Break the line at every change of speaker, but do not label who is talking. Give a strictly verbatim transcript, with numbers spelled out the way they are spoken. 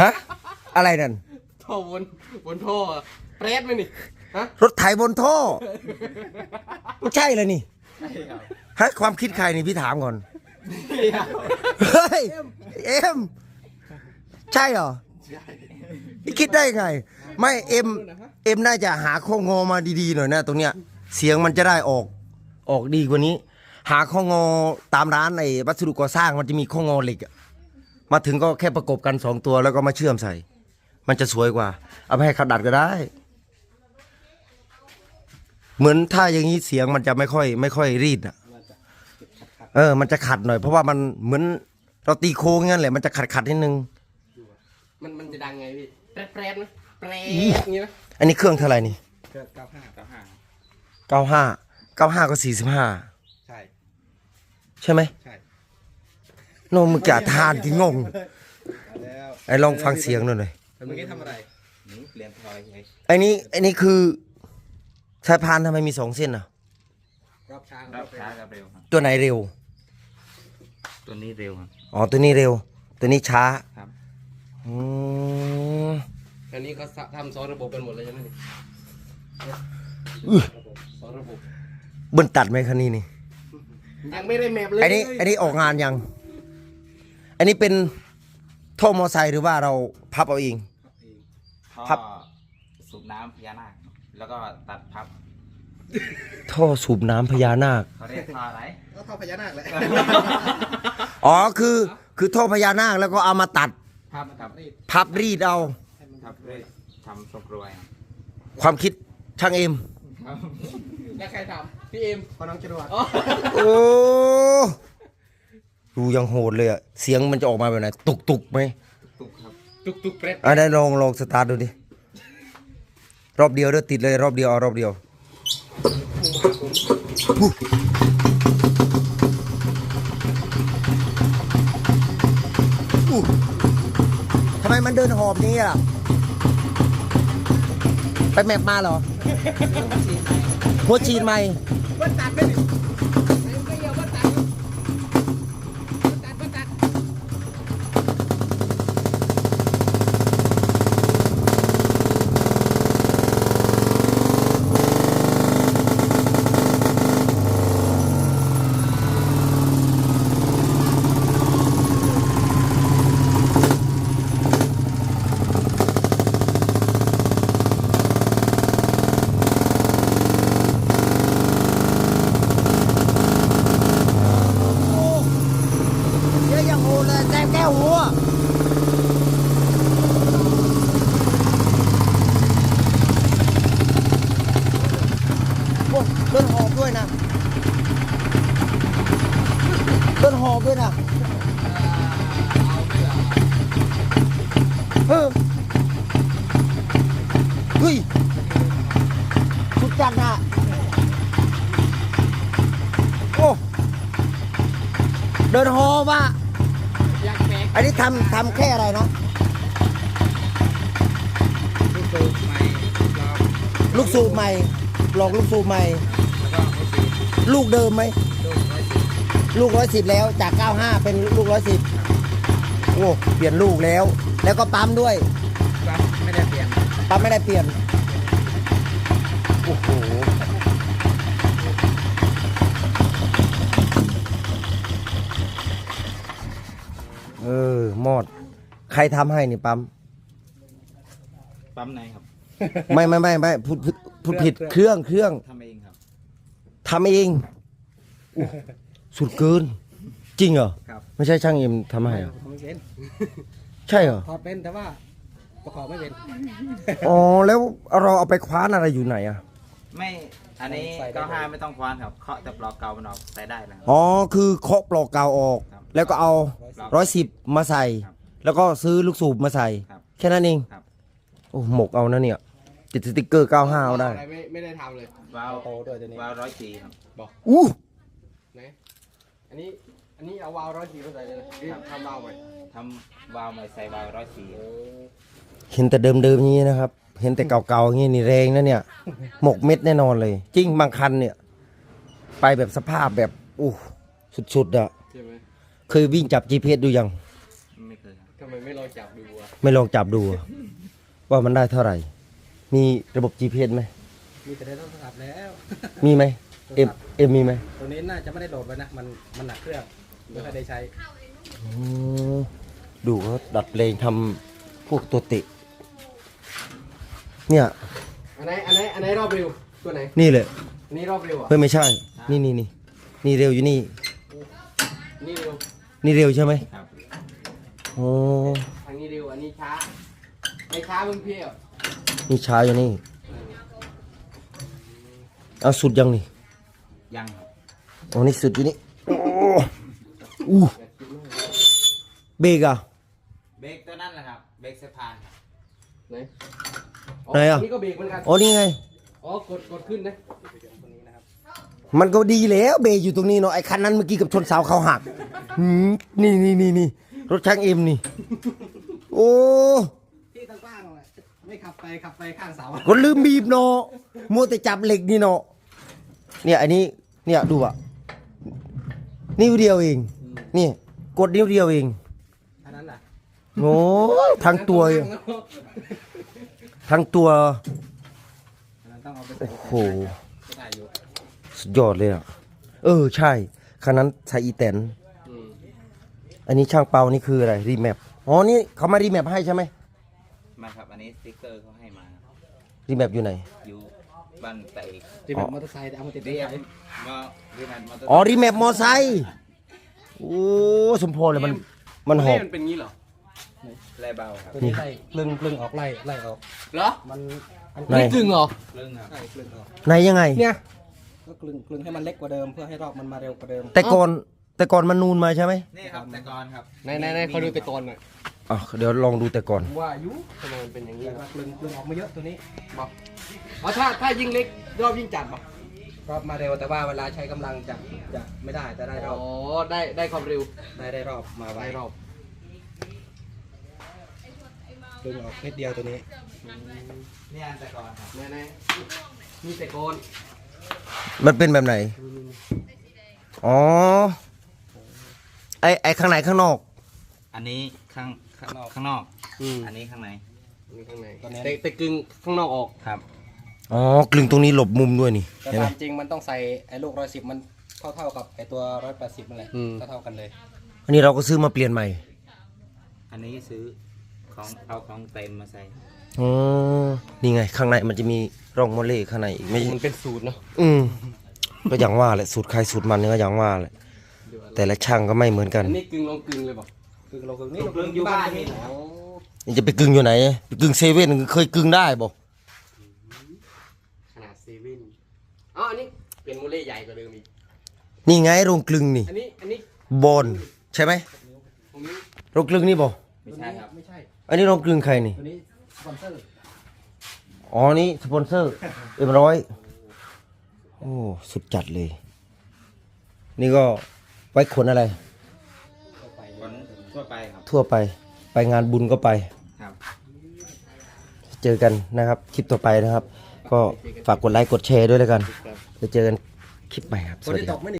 ฮะอะไรนั่น
ท่อบนบนท่อเปรตไหมนี่ฮะ
รถไถบนท่อไม่ใช่เลยนี่ฮะความคิดใครนี่พี่ถามก่อนเฮ้ยเอ็มใช่เหรอพี่คิดได้ไงไม่เอ็มเอ็มน่าจะหาข้องอมาดีๆหน่อยนะตรงเนี้ยเสียงมันจะได้ออกออกดีกว่านี้หาข้องอตามร้านในวัสดุก่อสร้างมันจะมีข้องอเหล็กมาถึงก็แค่ประกบกันสองตัวแล้วก็มาเชื่อมใส่มันจะสวยกว่าเอาไปให้เขาดัดก็ได้เหมือนถ้าอย่างนี้เสียงมันจะไม่ค่อยไม่ค่อยรีดอ่ะเออมันจะขัดหน่อยเพราะว่ามันเหมือนเราตีโค้งงั้นแหละมันจะขัดขัดนิดนึง
มันมันจะดังไงพี่แปรแปรนะแปรอย่างนี้นะ
อันนี้เครื่องเท่าไหร่นี่
เครื่องเก้าห้าเก้าห้า
เก้าห้าเก้าห้าก็สี่สิบห้า
ใช่
ใช่ไหม
ใช่
โนมึงจะทานกี่งงไอ้ลองฟังเสียงหน่อยหน่อย
เมื่อกี้ทำอะไรเปลี่ยนพลอยไง
ไอ้นี้ไอ้นี้คือสายพานทำไมมีสองเส้นอ่ะ
รอบช้ารอบช้ากับเร็ว
ตัวไหนเร็ว
ตัวนี้เร็วครับ
อ๋อตัวนี้เร็วตัวนี้ช้า
ครับ
อืม
อันนี้เขาทำซ้อนระบบกันหมดเลยใช่ไหมนี่ซ้อนระบบ
เบิ้ลตัดไหมคันนี้นี่
ยังไม่ได้แมปเลย
ไอ้นี้ไอ้นี้ออกงานยังอันนี้เป็นท่อมอไซค์หรือว่าเราพับเอาเอง
พับสูบน้ำพญานาคแล้วก็ตัดพับ
ท่อสูบน้ำพญานาค
เขาเรียกท่ออะไรก็ท่อพญานาคแหละ
อ๋อคือคือท่อพญานาคแล้วก็เอามาตัด
พับพับรีด
พับรีดเอา
พับรีดทำทรงกรวย
ความคิดช่างเอ็ม
แล้วใครทำพี่เอ็มพอน้องจรวด
โอ้ดูยังโหดเลยอะเสียงมันจะออกมาแบบไหนตุกตุกไหม
ตุกครับตุกตุกเปรต
อ่ะได้ลองลองสตาร์ทดูดิรอบเดียวเด้อติดเลยรอบเดียวเอารอบเดียวทำไมมันเดินหอบนี้อ่ะไปแมปมาเหรอหัวฉีดใหม่
ว่าตัดไปดิไม่เกี่ยวว่าตัดตัดว่าตัด
เดินหอบด้วยนะเดินหอบด้วยนะเฮ้ยเฮ้ยสุดจัดนะโอ้เดินหอบอ่ะอันนี้ทำทำแค่อะไรนะลูกสูบใหม่ลองลูกสูบใหม่ลูกเดิมไหมลูกร้อยสิบแล้วจากเก้าห้าเป็นลูกร้อยสิบโอ้เปลี่ยนลูกแล้วแล้วก็ปั๊มด้วย
ปั๊มไม่ได้เปลี่ยน
ปั๊มไม่ได้เปลี่ยนโอ้โหเออมอดใครทำให้นี่ปั๊ม
ปั๊มไหนครับ
ไม่ไม่ไม่ไม่พูดพูดผิดเครื่องเครื่อง
ทำเองครับ
ทำเองสุดเกินจริงเหรอ
ครับ
ไม่ใช่ช่างเอ็มทำให้เหรอ
ไม่เป็น
ใช่เหรอ
ถอดเป็นแต่ว่าประกอบไม่เป็น
อ๋อแล้วเราเอาไปคว้านอะไรอยู่ไหนอ่ะ
ไม่อันนี้เก้าห้าไม่ต้องคว้านครับเคาะแต่ปลอกเกามันออกใส่ได้แล้ว
อ๋อคือเคาะปลอกเกาออกแล้วก็เอาร้อยสิบมาใส่แล้วก็ซื้อลูกสูบมาใส่แค่นั้นเองโอ้หมกเอานะเนี่ยติดสติ๊กเกอร์เก้าห้าเอาได้
ไม่ไม่ได้ทำเลยวาล์วโตด้วยตัวนี้วาล์วร้อยสี่ครับบอก
อู้
ไหนอันนี้อันนี้เอาวาล์วร้อยสี่มาใส่เลยนะทำวาล์วใหม่ทำวาล์วใหม่ใส่วาล์วร้อยสี่
เห็นแต่เดิมๆอย่างนี้นะครับเห็นแต่เก่าๆอย่างนี้นี่แรงนะเนี่ยหมกเม็ดแน่นอนเลยจริงบางคันเนี่ยไปแบบสภาพแบบอู้สุดๆอ่ะเคยวิ่งจับ จี พี เอส ดูยัง
ไม่เคยทำไมไม่ลองจับดูอ่ะ
ไม่ลองจับดูอะว่ามันได้เท่าไหร่ มีระบบ จี พี เอส ไหม
มีแต่ได้โทรศัพท์แล้ว
มีไหมเอ็มเอ็มมีไหม
ตัวนี้น่าจะไม่ได้โหลดไว้นะ มันมันหนักเครื่องไม่ค่อยได้ใช้
อ๋อดูเขาดัดเพลงทำพวกตัวเตะเนี่ย
อันไหนอันไหนอันไหนรอบเร็วตัวไหน
นี่เลย
อันนี้รอบเร็วอ่ะ
เฮ้ยไม่ใช่ นี่นี่นี่นี่เร็วอยู่นี่
นี่เร็ว
นี่เร็วใช่ไหม
ครับ
โอ้
ทางนี้เร็วอันนี้ช้าไม่ช้าเพิ่งเพี้ยว
นี่ช้าอยู่นี่เอาสุดยังนี่
ยังครับ
อ๋อนี่สุดอยู่นี่โอ้อู้เบรกอ่ะ
เบรกตัวนั้นแหละครับ เบรกสะพานครับ
ไหน
ไหนอ่ะ
นี่ก็เบรกเหมือนกัน
อ๋อนี่ไง
อ๋อกดกดขึ้นนะ
มันก็ดีแล้วเบรกอยู่ตรงนี้เนาะไอ้คันนั้นเมื่อกี้กับชนเสาเขาหักหืมนี่นี่นี่นี่รถช่างเอ็มนี่ โอ้
ที่ตั้งกว้างเลยไม่ขับไปขับไปข้างเสา
ก็ลืมบีบเนาะมัวแต่จับเหล็กนี่เนาะเนี่ยอันนี้เนี่ยดูอ่ะนิ้วเดียวเองนี่กดนิ้วเดียวเอง
อันนั้นน่ะ
โอ้ทั้งตัวทั้งตัว
อันนั้นต้องเอาไปใส่
โอ้โห
ไม่ได้อยู่
สุดยอดเลยอ่ะเออใช่คันนั้นใช้อีแตน
อืม
อันนี้ช่างเปานี่คืออะไรรีแมปอ๋อนี่เขามารีแมปให้ใช่ไหม
มาครับ อันนี้สติ๊กเกอร์เขาให้มาครับ
รีแมปอยู่ไหน
อยู่บ้านไต่
ที่แบบมอเตอร์ไซค์แต่เอามาติด
เรี
ได้
ย
ไหม
มาเรียนมอเตอร์
อ๋อรีแมปมอไซค์โอ้สมพรเลยมันมันหอบ
มันเป็นงี้เหรอ
ไล่เบาครับ
ตัวนี้ไล่กลึงกลึงออกไล่ไล่ออก
เหรอ
มันอัน
ไหน
นี่กึ่งเหรอ
เรื่องครับ
ใช่กลึงออก
ไหนยังไง
เนี่ย
ก็กลึงกลึงให้มันเล็กกว่าเดิมเพื่อให้รอบมันมาเร็วกว่าเดิม
แต่ก่อนแต่ก่อนมันนูนมาใช่ไหม
นี่ครับแต่ก่อนครับ
ไหนไหนไหนเขาดูแต่ก่อนหน่อย
อ่ะเดี๋ยวลองดูแต่ก่อน
ว่าอายุทำไมมันเป็นอย่างนี้
แต่
วะ
ว่ากลึงกลึงออกมาเยอะตัวนี้
บอกอ๋อถ้าถ้ายิ่งเล็กรอบยิ่งจัดบอก
รอบมาเร็วแต่ว่าเวลาใช้กำลังจะจะไม่ได้จะได้ร
อ๋
อ
อบ ได้ได้ความเร็ว
ได้ได้รอบมาไว
ได้รอบ
กลึงออกนิดเดียวตัวนี้
นี่อันแต่ก่อนครับ
ไหนไหนนี่แต่ก่อน
มันเป็นแบบไหนอ๋อไอไอข้างในข้างนอก
อันนี้ข้างข้างนอกข้างนอก
อืม
อันนี้ข้างใน
นี่ข้างในแต่แต่กึ่งข้างนอกออก
ครับ
อ๋อกลึงตรงนี้หลบมุมด้วยนี่
แต่
เห็นไหม
ตามจริงมันต้องใส่ไอ้ลูกร้อยสิบมันเท่าเท่าๆกับไอ้ตัวร้อยแปดสิบนั่นแหละ
อืม
เท่าเท่าๆกันเลย
อันนี้เราก็ซื้อมาเปลี่ยนใหม่
อันนี้ซื้อของเอาของเต็มมาใส่
อ๋อนี่ไง ข้างในมันจะมีร่องโมเลข้างในอีกไม่
มันเป็นสูตรเนาะ
อืมก็อย่างว่าแหละสูตรใครสูตรมันเนี่ยก็อย่างว่าแหละแต่ละช่างก็ไม่เหมือนกัน
อันนี้กึ่งลงกึ่งเลยบอก
คือเราคือนี่
กลึงอยู่บ้านนี่
อ๋อ
นี่จะไปกึ่งอยู่ไหนไปกึ่งเซเว่นเคยกึ่งได้บอก
ขนาดเซเว่นอ๋ออันนี้เป็นโมเล่ใหญ่กว่าเดิมอีก
นี่ไงโรงกลึงนี่
อันนี้อันนี้
บอลใช่ไหม
ตรงนี้
โรงกลึงนี่บอก
ไม่ใช่ครับ
ไม่ใช่
อันนี้โรงกลึงใครนี่
ตัวนี้สปอนเซอร์
อ๋อนี่สปอนเซอร์เอ็มร้อยโอ้สุดจัดเลย นี่ก็ไว้ขนอะไร
คนทั่วไปครับ
ทั่วไปไปงานบุญก็ไป
ครับ
เจอกันนะครับ คลิปต่อไปนะครับ ก็ฝากกดไลค์กดแชร์ด้วยแล้วกัน
ครับ
จะเจอกันคลิปใหม่ครับ ส
คน
วัส
ที่
ดี
ต
ครับ
กไม่